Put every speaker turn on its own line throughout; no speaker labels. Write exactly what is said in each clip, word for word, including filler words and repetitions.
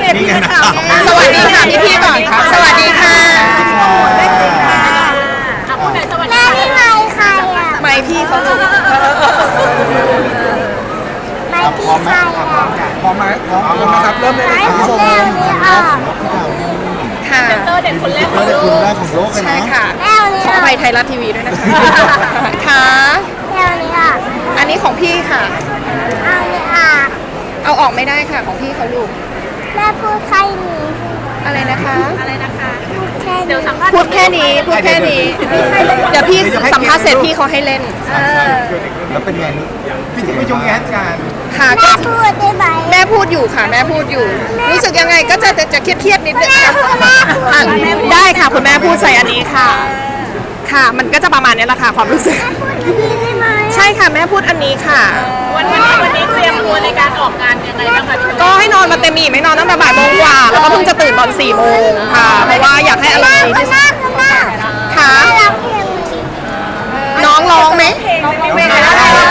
พี่ๆนะคะ
สวัสดีค่ะพี่พี่ๆก่อนค่ะสวัสดีค่ะ
พูดหน่อยสวัสดีค่ะ
ไม่ใครอ่ะ
ไม่พี่เขาลูก
ไม่พี่ใครอ่ะ
พร้อมไหมพร้อมพร้อมนะครับเริ่มเลย
ไม่
นะครับ
แม่ไม่ออก
ค่ะ
เตอร์เด็กคนแรกของ
เด็ก
โล
คน
ก
แรกของโลกเลย
ใช่
นะ
ค่ะ
แม่วันนี้
ขอ
อ
อ
อก
ภัยไทยรัฐทีวีด้วยนะคะค่ะ
แม่วันนี้ออก
อันนี้ของพี่ค่ะ
เอาเนี่ยออก
เอาออกไม่ได้ค่ะของพี่เขาลูก
แม่พูดใครหนี
อะไรนะคะ
อะไรนะคะ
แค่
เดี๋ยวสัมภาษณ์
พูดแค่นี้พูดแค่นี้เดี๋ยวพี่สัมภาษณ์เสร็จพี่เขาให้เล่น
แล้วเป็นไงพี่จะไปชมงานกัน
ค่ะ
แม่
ก็
พูดได้ไหม
แม่พูดอยู่ค่ะ แม่พูดอยู่ รู้สึกยังไงก็จะจะจะเครียดเครียดๆนิดนึงค่ะอ่ะได้ค่ะคุณแม่พูดใส่อันนี้ค่ะ ค่ะ มันก็จะประมาณนี้แหละค่ะความรู้สึก
พูดดีได้ไหม
ใช่ค่ะแม่พูดอันนี้ค่ะ
วันนี้วันนี้เตรียมตัวในการออกงานยังไงบ้างคะพี่
ก็ให้นอนมาเต็มอิ่มไม่นอนตั้งแต่บ่ายโมงกว่า แล้วก็เพิ่งจะตื่นตอนสี่โมงค่ะ เพราะว่าอยากให้อารมณ์ดีที่สุด
คุณแม่
ค่ะ
แม่ร้องเพลง
น้องร้องไหม
ไม่ได้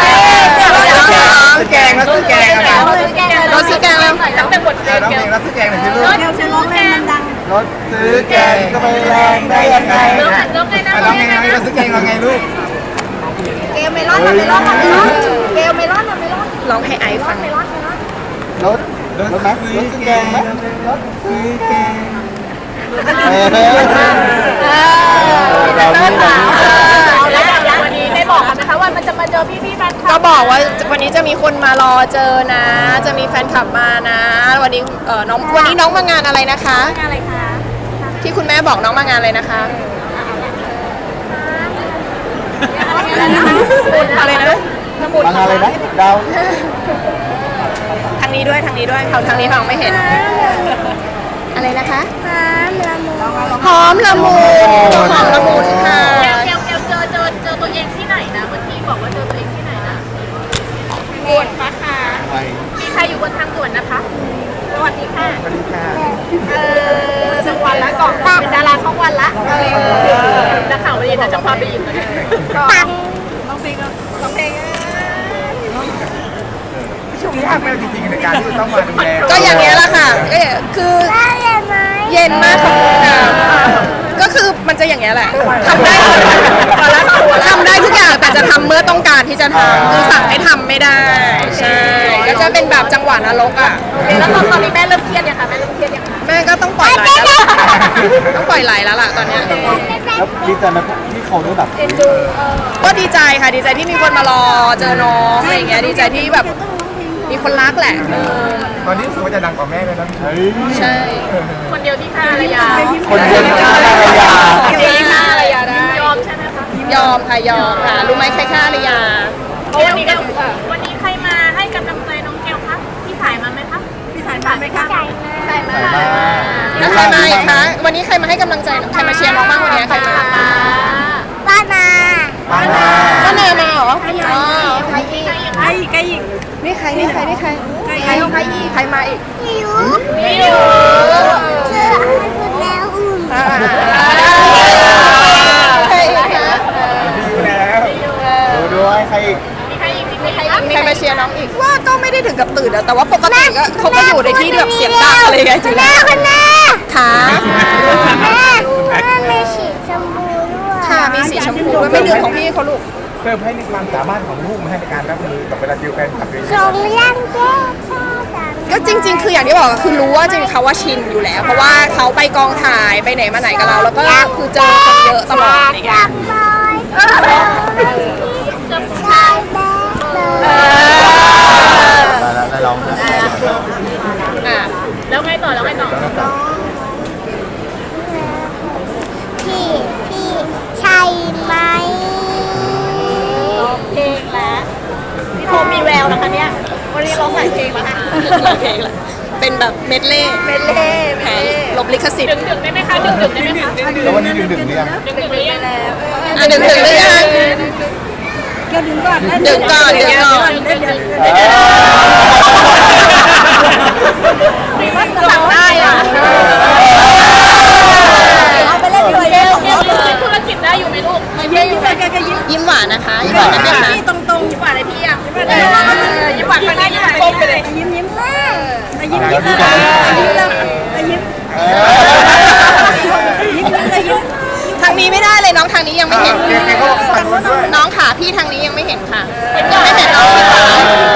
ซื้อแกงแล้วซื้อแกงอะไร
เราซื้อแกงแล้ว
ตั้งแต่บทเพล
ร้อง
ง
เพลงแล้วซื้อแกงหน่อยสิลูก
เดี๋ยวฉันร้องเพลงดัง
รถซื้อแกงก็ไม่แรงได้ยังไง
ร้องร้องไงนะ
ร้องไงนะรถซื้อแกงร้องไงลูก
เกลเมลอนเมลอนเมลอนเกลเมลอนเมลอน
ร้องให้ไอซ์ฟัง
เมลอนเมลอน
รถรถไหมรถซื้อแกงไหมรถซื้อแกงเออเราไม่เรา
แล้ววันนี้ได้บอกกันไหมคะว่ามันจะมาเจอพี่พี่แฟนคลั
ก็
บ
บอกว่าวันนี้จะมีคนมารอเจอนะ จะมีแฟนคลับมานะ วันนี้เออน้องวันนี้น้องมางานอะไรนะคะ
อะไรคะ
ที่คุณแม่บอกน้องมางานอะไรนะคะ อะไรนะ
บางอะไรนะดาว
ทางนี้ด้วยทางนี้ด้วยเขาทางนี้ฟังไม่เห็น อะไรนะคะ
หอมละมุน
หอมละมุนหอมละมุนค่ะ
แกวแกวแกวเจอเจอเจอตัวเองที่ไหนนะเมื่อกี้บอกว่าเจอตัวเองที่ไหนนะบนฟ้าค่ะ
ไป
มีใครอยู่บนทางด่วนนะคะสวัสดีค่ะ
สวัสดีค่ะ
เออช่องวันละก่อนเป็นดาราช่องวันละนักข่าวไปยินแต่จะพาไปยินเลย
ตัง
น้องเพลงน้องเพลง
ช่วงนี้ยากไหมจริงๆในการที่ต้องมาดูแล
ก็อย่างเงี้ยแหละค่ะเอ้ยคือ
ได้ยังไหม
เย็นมากขอบคุณค่ะก็คือมันจะอย่างเงี้ยแหละทำได้ทำได้ทุกอย่างแต่จะทำเมื่อต้องการที่จะทำคือสั่งให้ทำไม่ได้ใช่ก็จะเป็นแบบจังหวะนรกอ่ะ
แล้วตอนตอนนี้แม่เริ่มเครียดยังคะแม่เริ่มเครียดยังคะ
แม่ก็ต้องปล่อยไหลแล้วล่ะต้องปล่อยไหลแล้วล่ะตอนเนี้ย
แล้วดีใจไหมที่เขาได้แบบ
ก็ดีใจค่ะดีใจที่มีคนมารอเจอน้องอะไรอย่างเงี้ยดีใจที่แบบมีคนรักแหละเออ
ตอนนี้รู้สึกว่าจะดังกว่าแม่เลยนะเฮ้ย
ใช่
คนเดียวที่ฆ่าภรรยา
คนเดียวที่ฆ่าภรรยา
คนเดียวที่ฆ่าภรรยาได้ยอมใช่ไหมคะ
ยอมค่ะยอมค่ะรู้ไหมใครฆ่าหรือยัง
เพราะวันนี้ก็วันนี้ใครมาให้กำลังใจน้องแก้วคะพี่สายมาไหมคะพี่สายมาไหมคะ
ใส่มา
สายมา
แล้วใครมาอีกคะวันนี้ใครมาให้กำลังใจใครมาเชียร์น้องบ้างวันนี้ใครมา
บ้านมา
บ้านนา
ก็เนยมาเหรออ๋อ
ใครอีก
ใครอีกใครอีก
นี่ใครนี่ใครนี่ใครใครใครอีกใครมาอีก
พี่ยุ
พี่อยู่
เชื่อให้คุณแม่อุ่น
อ่าใครอีกคะ
ดูแล้วดูด้วยใครอีก
มีใครอีกมีใคร
มีใครมาเชียร์น้องอีกว่าก็ไม่ได้ถึงกับตื่นอะแต่ว่าปกติก็เขาก็อยู่ในที่ที่แบบเสียงดังอะไรอย่างเงี้ยจริง
แม่คุณแม่
ค่ะ
แม่แม่มีสีชมพูด้วย
ค่ะมีสีชมพูด้วยไม่ลืมของพี่เขาลูก
เพิ่มให้ในความสามารถของลูกมาให้ในการรับมือกับเวลาเจอแฟนคลับเย
ทร
อะ
งเลี้ยงแก้ชาดัง
ก็จริง ๆ คืออย่างที่บอกอะคือรู้ว่าจริงๆเขาว่าชินอยู่แล้ว เพราะว่าเขาไปกองถ่ายไปไหนมาไหนกับเรา แล้วก็คือเจอคนเยอะตลอดอะไรเงี้ย
บอยชายแบ๊เลย
ๆแล้วแล้วร้องนะ
อ่ะ
แล้วไงต่อแล้วไงต่อ
พี่พี่ใช่ไหม
เพลงแล้วพี่โทมีแววนะคะเนี่ยวันนี้ร้องหลายเพลงแล้วค่ะ
เพลงละเป็นแบบเมดเล่
เมเล่
แผนลบลิขสิท
ดึ
ธิ์
งดึงได้ไหมคะดึงดึงได้ไหมคะ
แล้ววันนี้ดึงดึงๆหรือยัง
ดึงดึงได้แล้ว
อ่ะดึงถึงหรือยัง
ดึงก่อน
ดึงก่อนดึงก่อน
มีว่าสั่งได้อ่ะ
เอาไปเล่นด้วย
เกลเกลยังธุรกิจได้อยู่ไหมลูกไม่ได้อยู่ไหม
ยิ้มหวานนะคะยิ้มหวานนะคะ
ตรงตรงยิ้มหวานอะไรพี่อ่ะยิ้มหวานยิ้มหวานคนนี้ยิ้มหวานก้มไปเลย
ยิ้มยิ้มแม่
ยิ้มยิ้ม
ทางนี้ไม่ได้เลยน้องทางนี้ยังไม่เห็น
เก่งๆก็บอกทางนู้นด้วย
น้องขาพี่ทางนี้ยังไม่เห็นค่ะยังไม่เห็นน้องพี่ขา